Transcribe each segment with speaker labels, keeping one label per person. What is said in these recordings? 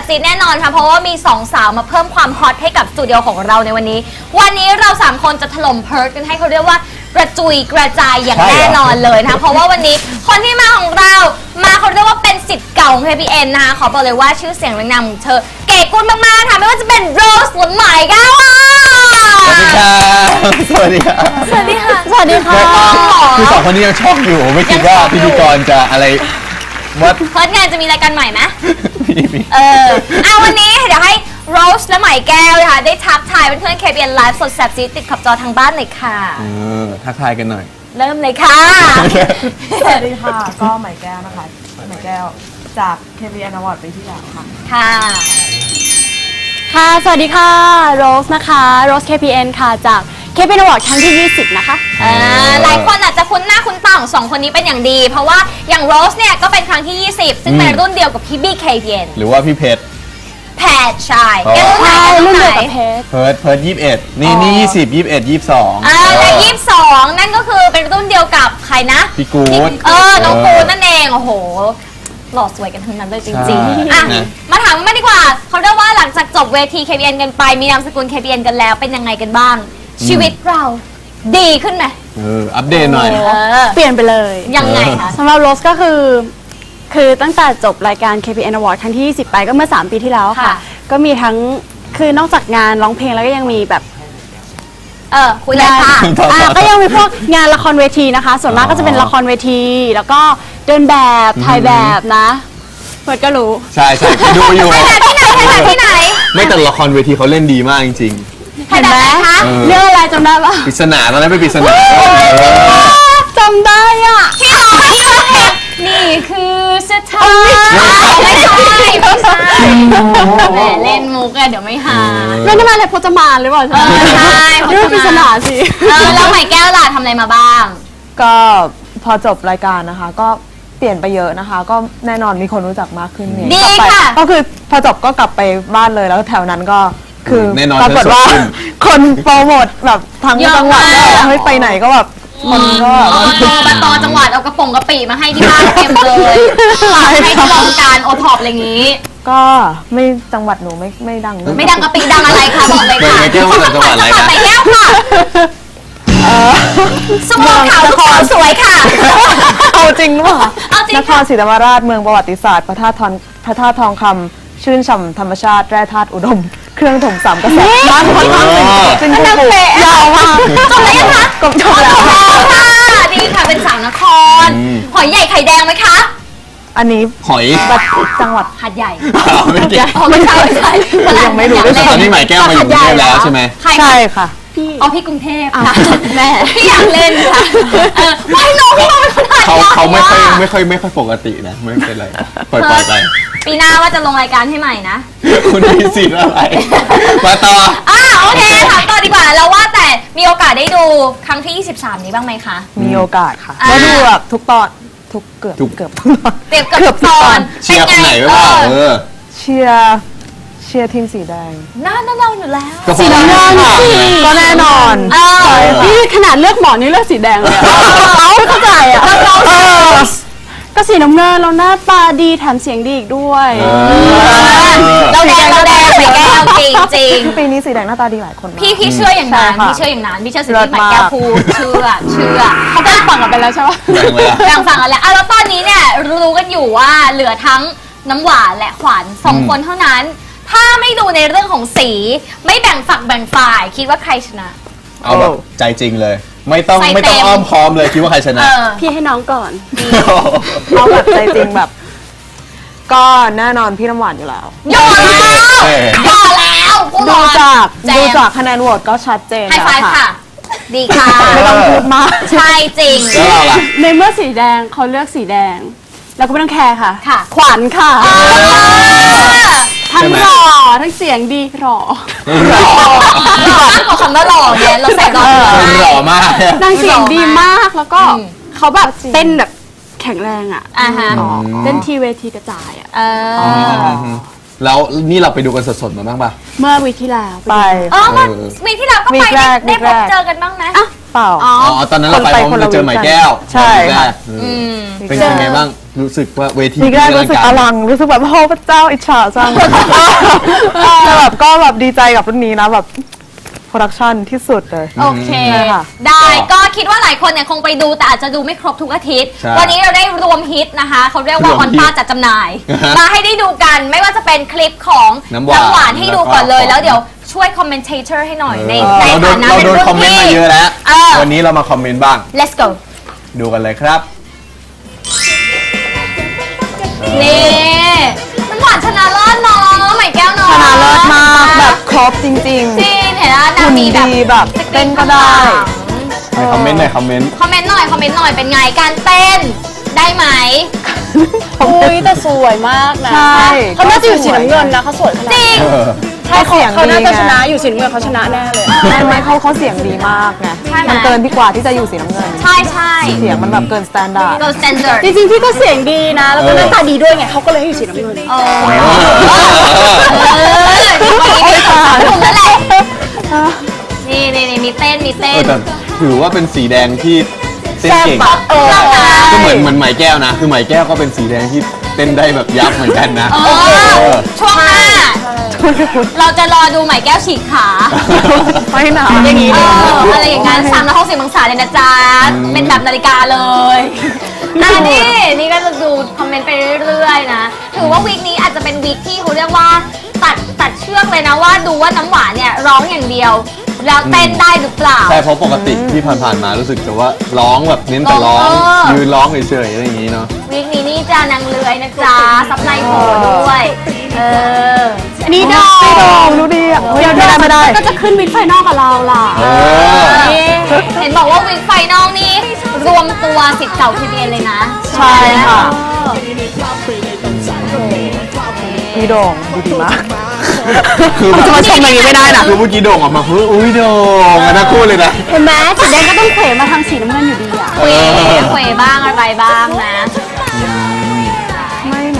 Speaker 1: ซีแน่นอนค่ะเพราะว่ามี2สาวมาเพิ่มความฮอตให้กับสตูดิโอของเราในวันนี้เรา3คนจะถล่มเพิร์ทกันให้เขาเรียกว่ากระจุยกระจายอย่างแน่นอนเลยนะคะเพราะว่าวันนี้คนที่มาของเราเขาเรียกว่าเป็นศิษย์เก่าของ KPN นะคะขอบอกเลยว่าชื่อเสียงเรียงนามของเธอเก๋กุลมากๆค่ะไม่ว่าจะเป็นโรสหรือไหมก้าว
Speaker 2: สวัสดีครับ
Speaker 1: สวัสดีค่ะ
Speaker 3: สวัสดีค่ะ
Speaker 2: คือ2คนนี้ยังช็อกอยู่ไม่คิดว่าพิธีกรจะอะไรว่า
Speaker 1: เพิร์ทงานจะมีรายการใหม่ไหม
Speaker 2: มี
Speaker 1: วันนี้เดี๋ยวให้โรสและไหมแก้วนะคะได้ทักทายเพื่อนๆ KPN Live สดแซ่บซีติดขอบจอทางบ้านเลยค่ะ
Speaker 2: ทักทายกันหน่อย
Speaker 1: เริ่มเลยค่ะ
Speaker 3: สวัสดีค่ะก็ไหมแก้วนะคะไหมแก้วจาก KPN Award ปีที่แล้วค่ะ
Speaker 1: ค่ะ
Speaker 3: สวัสดีค่ะโรสนะคะโรส KPN ค่ะจาก KPN Award ครั้งที่20นะคะ
Speaker 1: หลายคนอาจจะคุ้นหน้าคุ้นตาของ2คนนี้เป็นอย่างดีเพราะว่าอย่างโรสเนี่ยก็เป็นครั้งที่20ซึ่งเป็นรุ่นเดียวกับพี่บี้ KPN
Speaker 2: หรือว่าพี่เพชร
Speaker 1: ใช่แกรุ่นไหน
Speaker 2: เพิร์ท21นี่20 21 22
Speaker 1: และ22นั่นก็คือเป็นรุ่นเดียวกับใครนะ
Speaker 2: พี่กู๊ด
Speaker 1: น้องกู๊ดนั่นเองโอ้โหหล่อสวยกันทั้งนั้นเลยจริงๆมาถามกันมาดีกว่าเขาเรียกว่าหลังจากจบเวที KPN กันไปมีนามสกุล KPN กันแล้วเป็นยังไงกันบ้างชีวิตเราดีขึ้นไหม
Speaker 2: อัปเดตหน่อย
Speaker 3: เปลี่ยนไปเลย
Speaker 1: ยังไงคะ
Speaker 3: สำหรับโรสก็คือตั้งแต่จบรายการ KPN Award ครั้งที่20ไปก็เมื่อ3ปีที่แล้วค่ะก็มีทั้งคือนอกจากงานร้องเพลงแล้วก็ยังมีแบบ
Speaker 1: คุยเลยค่ะ
Speaker 3: ก็ยังมีพวกงานละครเวทีนะคะส่วนมากก็จะเป็นละครเวทีแล้วก็เดินแบบถ่ายแบบนะเพื่อนก็รู้
Speaker 2: ใช่ดูอยู่
Speaker 1: ที่ไหน
Speaker 2: ไม่แต่ละครเวทีเขาเล่นดีมากจริง
Speaker 3: เห็นไหมเรื่องอะไรจำได้ปะ
Speaker 2: ปริศนาตอนนั้นเป็นปริศนา
Speaker 3: จำได้อ่ะ
Speaker 1: ที่ร้องนี่คือสถานไม่ใช่แหมเล่นมุกอะเดี๋ยวไม่หา
Speaker 3: ไม่ได้มาอะไรพจมานหรือเปล่า
Speaker 1: ใช่
Speaker 3: เรื่องปริศนาสิ
Speaker 1: แล้วไหมแก้วล่ะทำอะไรมาบ้าง
Speaker 3: ก็พอจบรายการนะคะก็เปลี่ยนไปเยอะนะคะก็แน่นอนมีคนรู้จักมากขึ้นเนี่ย
Speaker 1: ดีค่ะ
Speaker 3: ก็คือพอจบก็กลับไปบ้านเลยแล้วแถวนั้นก็คือ
Speaker 2: ปรากฏว่า
Speaker 3: คนโปรโมทแบบทั้งจังหวัดเฮ้ยไปไหนก็แบบคนก็
Speaker 1: มาต่อจังหวัดเอากระป๋องกระปีมาให้ที่บ้านเต็มเลยให้ที่โรงการโอท็อปอะไรอย่างนี้
Speaker 3: ก็ไม่จังหวัดหนูไม่ดัง
Speaker 1: ไม่ดังกระปีดังอะไรคะบอกเลยค่ะ
Speaker 2: ไม่แก้วมาจากจังหวัดอะไรคะ
Speaker 1: ไม่แก้วค่ะสมองขาวขอสวยค่ะ
Speaker 3: เอาจริงหรือเปล่านครศรีธรรมราชเมืองประวัติศาสตร์พระธาตุทองคำชื่นฉ่ำธรรมชาติแร่ธาตุอุดมเครื่องถม3กระแสบ้านค่อนข้างเป็นผู้ปลูกยาวมาก
Speaker 1: จบแล้วคะ
Speaker 3: จบแล้ว
Speaker 1: ค่ะดีค่ะเป็นสาวนครหอยใหญ่ไข่แดงไหมคะ
Speaker 3: อันนี้
Speaker 2: หอย
Speaker 3: จังหวัด
Speaker 1: หาดใหญ่
Speaker 2: ไม่ใช่
Speaker 3: ยังไม่รู้
Speaker 2: ตอนนี้หมายแก้วมาอยู่กรุงเทพแล้วใช่ไหม
Speaker 3: ใช่ค่ะ
Speaker 1: พี่กรุงเทพค่ะแม่พี่อยากเล่นค่ะไม่น้องพี่เป็นคนไทย
Speaker 2: เขาไม่ค่อยปกตินะไม่เป็นไรปล่อยไป
Speaker 1: ปีหน้าว่าจะลงรายการให้ใหม่นะ
Speaker 2: คุณมีสิทธิ์อะไรมาต่อ
Speaker 1: โอเคถามต่อดีกว่าแล้วว่าแต่มีโอกาสได้ดูครั้งที่23นี้บ้างไหมคะ
Speaker 3: มีโอกาสค่ะได้ดูแบบทุกตอนเกือบทุกต
Speaker 1: อน
Speaker 2: เชียร์คนไหนบ้าง
Speaker 3: เชียร์ทีมสีแดง
Speaker 1: น่าเราอยู่แล้ว
Speaker 3: สีน้ำเงินก็แน่นอนนี่ขนาดเลือกหมอนี่เลือกสีแดงเลยไม่เข้าใจอ่ะก็สีน้ำเงินเราหน้าตาดีแถมเสียงดีอีกด้วย
Speaker 1: เราแดงไม่แก้วจริง
Speaker 3: ปีนี้สีแดงหน้าตาดีหลายคน
Speaker 1: พี่เชื่ออย่างนั้นพี่เชื่อสิ่งที่ไหมแก้วพูดเชื่อ
Speaker 3: เขาแบ่งฝั่งกันไปแล้วใช่ไหม
Speaker 1: แบ่งฝั่งกันแล้วแล้วตอนนี้เนี่ยรู้กันอยู่ว่าเหลือทั้งน้ำหวานและขวัญ2คนเท่านั้นถ้าไม่ดูในเรื่องของสีไม่แบ่งฝักแบ่งฝ่ายคิดว่าใครชนะ
Speaker 2: เอาแบบใจจริงเลยไม่ต้องอ้อมค้อมเลยคิดว่าใครชนะ
Speaker 3: พี่ให้น้องก่อนเอาแบบใจจริงแบบก็แน่นอนพี่น้ำหวานอยู่แล้ว
Speaker 1: ยอแล้ว
Speaker 3: ดูจากคะแนนโหวตก็ชัดเจน
Speaker 1: แล้วค่ะดีค่ะ
Speaker 3: ไม่ต้องพูดมาก
Speaker 1: ใช่จริง
Speaker 3: ในเมื่อสีแดงเขาเลือกสีแดงแล้วก็ไม่ต้องแคร์ค่ะขวัญค่ะทั้งหล่อทั้งเสียงดีหล่อ
Speaker 1: คำว่าหล่อเนี่ยเราใส่ห
Speaker 2: ล่อมาก
Speaker 3: นางเสียงดีมากแล้วก็เขาแบบเต้นแบบแข็งแรงอ่ะเต้นทีเวทีกระจายอ่ะ
Speaker 2: แล้วนี่เราไปดูกันสดๆมาบ้างป่ะ
Speaker 3: เมื่อวีที่แล้ว
Speaker 1: ไปวีที่แล้วก็ไปได้พบเจอกันบ้างไหม
Speaker 3: เปล่า
Speaker 2: ตอนนั้นเราไปเจอไหมแก้ว
Speaker 3: ใช่ค่ะ
Speaker 2: เป็นยังไงบ้างรู้สึกว่าเวที
Speaker 3: ทีแรกรู้สึกอลังรู้สึกแบบโอ้พระเจ้าอิจฉาจังแต่แบบก็แบบดีใจกับรุ่นนี้นะแบบโปรดักชั่นที่สุดเลย
Speaker 1: โอเค
Speaker 3: ค่ะ
Speaker 1: ได้ก็คิดว่าหลายคนเนี่ยคงไปดูแต่อาจจะดูไม่ครบทุกอาทิตย์
Speaker 2: ใช่
Speaker 1: วันนี้เราได้รวมฮิตนะคะเขาเรียกว่าร
Speaker 2: วม
Speaker 1: ออน
Speaker 2: ฮิต
Speaker 1: ป้าจัดจำหน่าย มาให้ได้ดูกันไม่ว่าจะเป็นคลิปของ
Speaker 2: น้ำหวาน
Speaker 1: ให้ดูก่อนเลย
Speaker 2: แล้วก็
Speaker 1: แล้วเดี๋ยวช่วยคอมเมนเทเตอร์ให้หน่อยใน
Speaker 2: เราโด
Speaker 1: ฐาน นะ
Speaker 2: เรา
Speaker 1: เป็น
Speaker 2: โดน
Speaker 1: รุ่น
Speaker 2: คอมเมนต์
Speaker 1: พี่
Speaker 2: มาเยอะแล้ว
Speaker 1: เออ
Speaker 2: วันนี้เรามาคอมเมนต์บ้าง
Speaker 1: let's go
Speaker 2: ดูกันเลยครับ
Speaker 1: นี่น้ำหวานชนะเลิศเนาะใหม่แก้วเนาะ
Speaker 3: ชนะเลิศมากแบบครบจริง
Speaker 1: จริงเห็นแล้ว
Speaker 3: ๆ
Speaker 1: นาง
Speaker 3: หุ่น
Speaker 1: มีแบบ
Speaker 3: ดีแบบเต้นก็ได้
Speaker 2: ในคอมเมนต์หน่อยคอมเมนต์
Speaker 1: คอมเมนต์หน่อยเป็นไงการเต้นได้ไหม
Speaker 4: อุ้ยแต่สวยมากนะ
Speaker 3: ใช่
Speaker 4: เขาน่าจะอยู่สีน้ำเงินนะเขาสวยขนาด
Speaker 1: จริง
Speaker 3: ใช่เสียง
Speaker 4: เขา
Speaker 3: ดี
Speaker 4: น่าจะ
Speaker 3: ไง
Speaker 4: ชนะอยู่สีน้ำเงินเขาชนะแน่เลย
Speaker 3: ไม่เขาเสียงดีมากไง
Speaker 1: ใช่ไหม
Speaker 3: มันเกินพี่กว่าที่จะอยู่สีน้ำเงิน
Speaker 1: ใช่ใช่
Speaker 3: เสียงมันแบบเกินสแตนดาร์ด
Speaker 1: go standard
Speaker 4: จริงๆพี่ก็เสียงดีนะ แล้วก็หน้าตาดีด้วยไงเขาก็เลยให้อยู่สีน้ำเงิน
Speaker 1: เอนี่ถูกแล้วแหละนี่มีเต้น
Speaker 2: แต่ถือว่าเป็นสีแดงที่เต้นเก่ง ก็เหมือนไหมแก้วนะ คือไหมแก้วก็เป็นสีแดงที่เต้นได้แบบยับเหมือนกันนะ
Speaker 1: ช่วงหน้าเราจะรอดูใหม่แก้วฉีกขา
Speaker 3: ไม่หนา
Speaker 4: อย่างนี้
Speaker 1: อะไรอย่างนั้น360องศาเลยนะจ๊ะ เป็นแบบนาฬิกาเลยนี่ก็จะดูคอมเมนต์ไปเรื่อยๆนะ ถือว่าวีคนี้อาจจะเป็นวีคที่เขาเรียกว่าตัดเชือกเลยนะว่าดูว่าน้ำหวานเนี่ยร้องอย่างเดียว แล้วเต้นได้หรือเปล่า
Speaker 2: ใช่เพราะปกติที่ผ่านๆมารู้สึกแต่ว่าร้องแบบเน้นแต่ร้อง ยืนร้องเฉยๆอะไรอย่างนี้เนาะ
Speaker 1: วีคนี้นี่จะนางเลื้อยนะจ๊ะซับในโผล่ด้วย
Speaker 4: นี่ดอ
Speaker 3: ไม่โดงดูดีอ่ะเฮ้ยไม่ได้
Speaker 4: ก็จะขึ้นวินไฟนอลกับเราล่ะ
Speaker 1: เห็นบอกว่าวีคไฟนอลนี่รวมตัวสิทธิ์เก่าทีเบียนเลยนะ
Speaker 3: ใช่ค่ะพี่โด่งดูดีมาก
Speaker 2: คือแบบ
Speaker 3: จะมาชมอย่างนี้ไม่ได้นะ
Speaker 2: คือเมื่อกี้โด่งออกมาคืออุ้ยโด่งอะนะคู่เลยนะ
Speaker 4: เห็นไหมสีแดงก็ต้องเขวมาทางสีน้ำเงินอยู่ดีอ่ะ
Speaker 1: เขวบ้างอะไรบ้างนะ
Speaker 3: ไม่นะ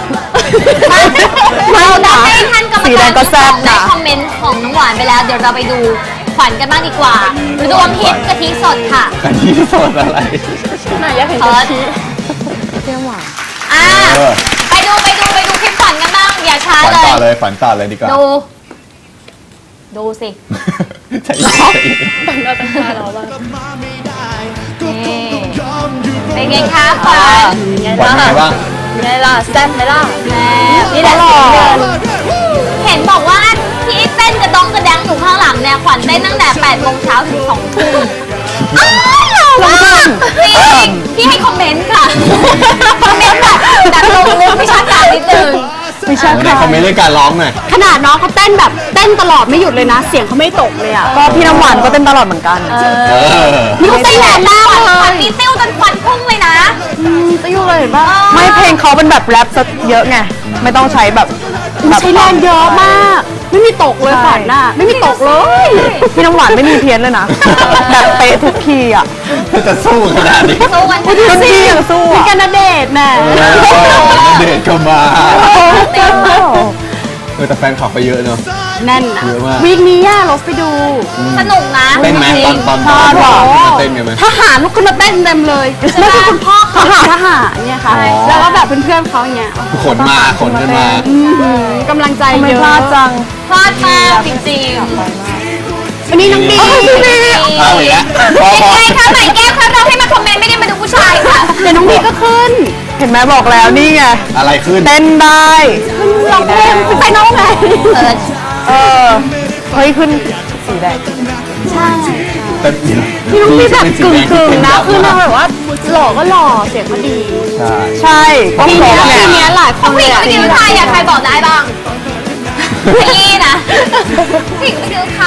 Speaker 1: เราได้ให้ท่านกรรม
Speaker 3: สีแด
Speaker 1: การ
Speaker 3: งก็แซ่บ
Speaker 1: ได้
Speaker 3: นะ
Speaker 1: คอมเมนต์ของน้องหวานไปแล้ว เดี๋ยวเราไปดูขวัญกันบ้างดีกว่า รวมฮิตกะทิสดค่ะ
Speaker 2: กันที่สดอะไร
Speaker 4: ไหนอยากเห็น
Speaker 1: เพิ
Speaker 4: กะ
Speaker 1: ร์ด
Speaker 4: ทิ
Speaker 3: เที่ยวหวาน
Speaker 1: อ่ะ
Speaker 2: เออ
Speaker 1: ไปดูคลิปขวัญกันบ้าง อย่าช้า
Speaker 2: ฝัน
Speaker 1: เล
Speaker 2: ต่อย เลยฝันต่อเลยดีกว่า
Speaker 1: ดูสิ
Speaker 2: ใจเย็นใจเย็น
Speaker 4: เราต้องมาเราบ้าง
Speaker 1: นี่เป็นไงคะขวัญ
Speaker 2: ฝันยังไงบ้าง
Speaker 4: ไงล่ะแซ่บไหมล่ะ
Speaker 1: แม่
Speaker 4: นี่แหละสีน้ำเงิน
Speaker 1: เห็นบอกว่าที่เต้นกระดองกระแดงอยู่ข้างหลังเนี่ยขวัญเต้นตั้งแต่8 โมงเช้าถึง2 ทุ่มอ้าวเหรอวะจริงพี่ให้คอมเมนต์ค่ะ คอมเมนต์แบบลงลึกวิชาการนิดนึง
Speaker 3: ไม่ใช่
Speaker 2: ใน
Speaker 3: ค่ะ
Speaker 2: คอมเมนต์เรื่องการร้องหน่อย
Speaker 4: ขนาดน้องเขาเต้นแบบเต้นตลอดไม่หยุดเลยนะ เสียงเขาไม่ตกเลยอ่ะ
Speaker 3: ก็พี่น้ำหวานก็เต้นตลอดเหมือนกัน
Speaker 4: นี่เขาเต้นแรงมาก
Speaker 1: ข
Speaker 4: เล
Speaker 1: วัญ
Speaker 4: ย
Speaker 1: มีติ้วจนควันพุ่งเลยนะ
Speaker 3: จะอยู่เลยป่ะไม่เพลงเขาเป็นแบบแรปซะเยอะไงไม่ต้องใช้แบบ
Speaker 4: ใช้แรงเยอะมาก ไม่มีตกเลยขวัญน่ะไม่มีตกเลย
Speaker 3: พี่น้ำหวานไม่มีเพี้ยนเลยนะแบบเป๊ะทุกคีย์อ่ะ
Speaker 2: จะสู้ขนาดนี้
Speaker 1: สู้กัน
Speaker 3: ทุกคีย์ยังสู้
Speaker 4: มี
Speaker 3: อ่ะ
Speaker 4: กันณเดชน์น่ะ
Speaker 2: เดทก็มา
Speaker 1: เต้น
Speaker 2: แต่แฟนคลับไปเยอะเนอะ
Speaker 4: แน่นนะ
Speaker 2: เยอะมาก
Speaker 4: วีคนี้ย่าเราไปดู
Speaker 1: สนุกนะ
Speaker 2: เต้นไหมตอน
Speaker 4: โอ้โห
Speaker 2: เต้นกันไหม
Speaker 4: ทหารลุกขึ้นมาเต้นเต็มเลยแล้วคือคุณพ่อเขาทหารเนี่ยค่ะ แล้วก็แบบเพื่อนๆเขาเนี่ย
Speaker 2: ขนมาขนกันมา
Speaker 4: กำลังใจ
Speaker 3: ไม่
Speaker 4: เย
Speaker 3: พลา
Speaker 4: อะ
Speaker 3: ดจัง
Speaker 1: พลาดมากจริงๆ
Speaker 4: วันนี้น้องดี
Speaker 2: เอาอีกแล้วพอ
Speaker 1: เป็นไงคะใหม่แก้วคะเราให้มาคอมเมนต์ไม่ได้มาดูผู้ชายค่ะ
Speaker 4: เดี๋ยวน้องดีก็ขึ้น
Speaker 3: เห็นไหมบอกแล้วนี่ไง
Speaker 2: อะไรขึ้น
Speaker 3: เต้นได้
Speaker 4: ร้องเพลงไปน้องไง
Speaker 3: เออเฮ้ยขึ้นสีแดง
Speaker 2: แต่
Speaker 4: พี่น้องดีแบบกึ่งๆนะคือนางแบบว่าหล่อก็หล่อเสียงก็ดี
Speaker 2: ใช่
Speaker 3: ใช่ก็
Speaker 4: ที
Speaker 3: คร
Speaker 4: เนี้
Speaker 3: บ
Speaker 4: ย
Speaker 3: ไง
Speaker 4: ทีเนี้ยหลายค
Speaker 1: เขา
Speaker 4: น
Speaker 1: ผู้
Speaker 4: เล
Speaker 1: หญิง
Speaker 4: ย
Speaker 1: ไม่ดูใครอะใครบอกได้บ้างพี่นะผู้หญิงไม่ดูใคร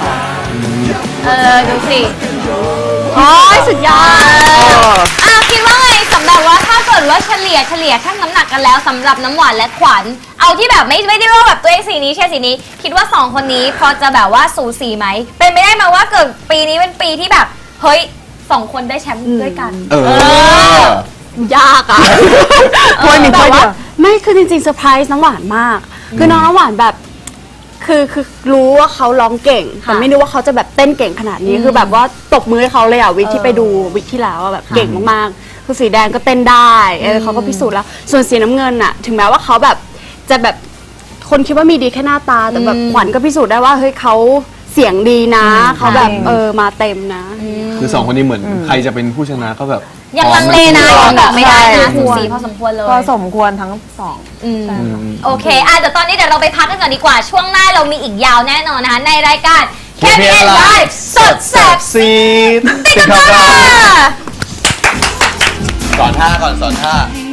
Speaker 1: ดูสิ
Speaker 4: โอ้ยสุดยอด
Speaker 1: คิดว่าไงสำหรับว่าถ้าเกิดว่าเฉลี่ยชั่งน้ำหนักกันแล้วสำหรับน้ำหวานและขวัญเอาที่แบบไม่ได้ว่าแบบตัวเองสีนี้แค่สีนี้ คิดว่า2 คนนี้พอจะแบบว่าสูสีไหมเป็นไปได้ไหมว่าเกิดปีนี้เป็นปีที่แบบเฮ้ย2 คนได้แชมป์ด้วยกัน
Speaker 4: ยากอ่ะ
Speaker 3: ถ้วยมีถ้วยเดียว
Speaker 4: ไม่คือจริงๆเซอร์ไพรส์น้ำหวานมาก คือน้องน้ำหวานแบบ คือรู้ว่าเขาร้องเก่ง แต่ไม่รู้ว่าเขาจะแบบเต้นเก่งขนาดนี้ คือแบบว่าตบมือให้เขาเลยอ่ะวิกที่ไปดูวิกที่แล้วอะแบบเก่งมากๆคือสีแดงก็เต้นได้เขาก็พิสูจน์แล้ว ส่วนสีน้ำเงินอะถึงแม้ว่าเขาแบบจะแบบคนคิดว่ามีดีแค่หน้าตาแต่แบบขวัญก็พิสูจน์ได้ว่าเฮ้ยเขาเสียงดีนะเขาแบบมาเต็มนะ
Speaker 2: คือสองคนนี้เหมือนใครจะเป็นผู้ชนะก็แบบ
Speaker 1: ยังลังเลนะยังบอกไม่ได้นะ
Speaker 3: ใช่
Speaker 1: สูสีพอสมควรเลย
Speaker 3: ก็สมควรทั้งสอง
Speaker 1: โอเคเดี๋ยวตอนนี้เดี๋ยวเราไปพักกันก่อนดีกว่า ช่วงหน้าเรามีอีกยาวแน่นอนนะคะ ในรายการ KPN Live สดแซ่บ
Speaker 2: ซีด
Speaker 1: ติดกันค่ะ
Speaker 2: สอนท่าก่อนสอนท่า